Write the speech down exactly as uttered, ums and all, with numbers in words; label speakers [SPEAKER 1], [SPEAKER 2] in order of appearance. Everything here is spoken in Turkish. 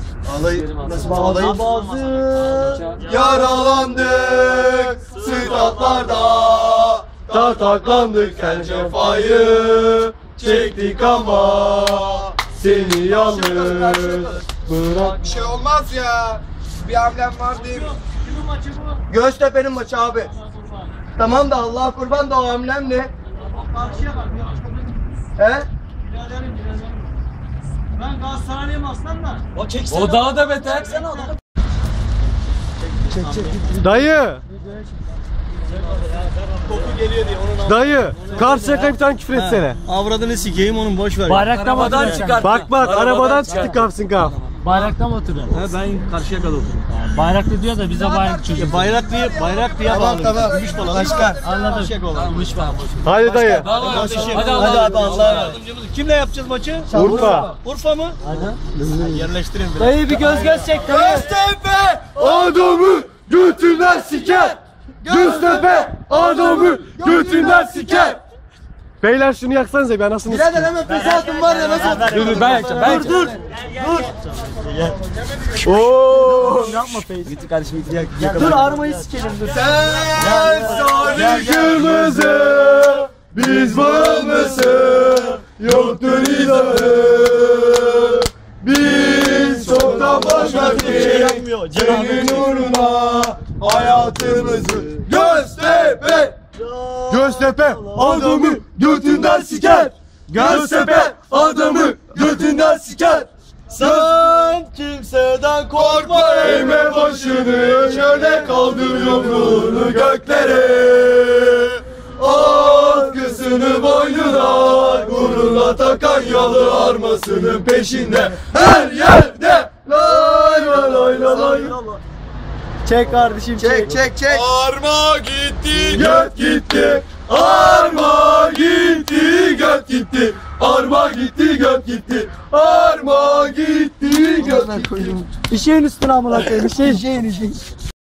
[SPEAKER 1] Alayı nasıl bağlayayım? Yaralandık statlarda, tartaklandık sen cefayı çektik ama seni yalnız bırak.
[SPEAKER 2] Bir şey olmaz ya. Bir hamlem var değil mi?
[SPEAKER 3] Kimin maçı bu?
[SPEAKER 1] Göztepe'nin maçı abi. Tamam da Allah'a kurban da o hamlem ne?
[SPEAKER 3] Bak karşıya bak.
[SPEAKER 1] He?
[SPEAKER 3] Biraderim biraderim. Ben Galatasaraylıyım aslan da.
[SPEAKER 4] O çeksin. O daha da beter. Sen onu.
[SPEAKER 1] Çek çek.
[SPEAKER 5] Dayı.
[SPEAKER 1] Koku geliyor diye onun.
[SPEAKER 5] Dayı. Karşıyaka bir tane küfür etsene.
[SPEAKER 1] Avradını sikeyim onun, boş ver.
[SPEAKER 3] Bayrakta mı
[SPEAKER 4] Arabadan
[SPEAKER 3] oturuyorsun?
[SPEAKER 4] çıkar.
[SPEAKER 5] Bak bak arabadan çıktı kapsın kap.
[SPEAKER 3] Bayrakta mı oturuyorsun?
[SPEAKER 1] He, ben karşıya kalıyorum.
[SPEAKER 3] Bayrakta diyor da bize bayrak çocuğu.
[SPEAKER 1] Bayraklıya bayraklıya bağlı. Tamam tamam. Başkan.
[SPEAKER 3] Anladım.
[SPEAKER 4] Tamam,
[SPEAKER 5] Hadi dayı.
[SPEAKER 4] Hadi
[SPEAKER 1] Hadi
[SPEAKER 4] hadi
[SPEAKER 1] abi Allah'a yardımcımız. Kimle yapacağız maçı?
[SPEAKER 5] Urfa.
[SPEAKER 1] Urfa mı? Hadi. Yerleştirin biraz.
[SPEAKER 3] Dayı bir göz göz çek.
[SPEAKER 1] Göztepe!
[SPEAKER 5] Adamı götünden siker. Göztepe adamı götünden siker. Beyler şunu yaksanıza, ben nasıl
[SPEAKER 1] Birader hemen pes altın var ya, nasıl?
[SPEAKER 5] Dur dur ben yakacağım. Ben
[SPEAKER 1] Dur dur. Dur.
[SPEAKER 5] Oo.
[SPEAKER 1] Dur armayı sikelim dur. Sen sarı
[SPEAKER 5] Kırmızı biz bağımlısı yoktur izahı. Biz çoktan başladık senin uğruna hayatımızı. Göztepe Göztepe adamı götünden siker. Göztepe adamı götünden siker.
[SPEAKER 1] Sen kimseden korkma,
[SPEAKER 5] Eğme başını şöyle kaldır yumruğunu göklere. Atkısını boynuna gururla takan yalı armasının peşinde her yerde. Lay lay lay lay lay.
[SPEAKER 1] Çek kardeşim çek. Çek çek çek.
[SPEAKER 5] Arma gitti göt gitti. Arma gitti göt gitti. Arma gitti göt gitti. Arma gitti göt gitti.
[SPEAKER 1] Bir şeyin üstüne amına koyayım. Bir şey şeyin işin.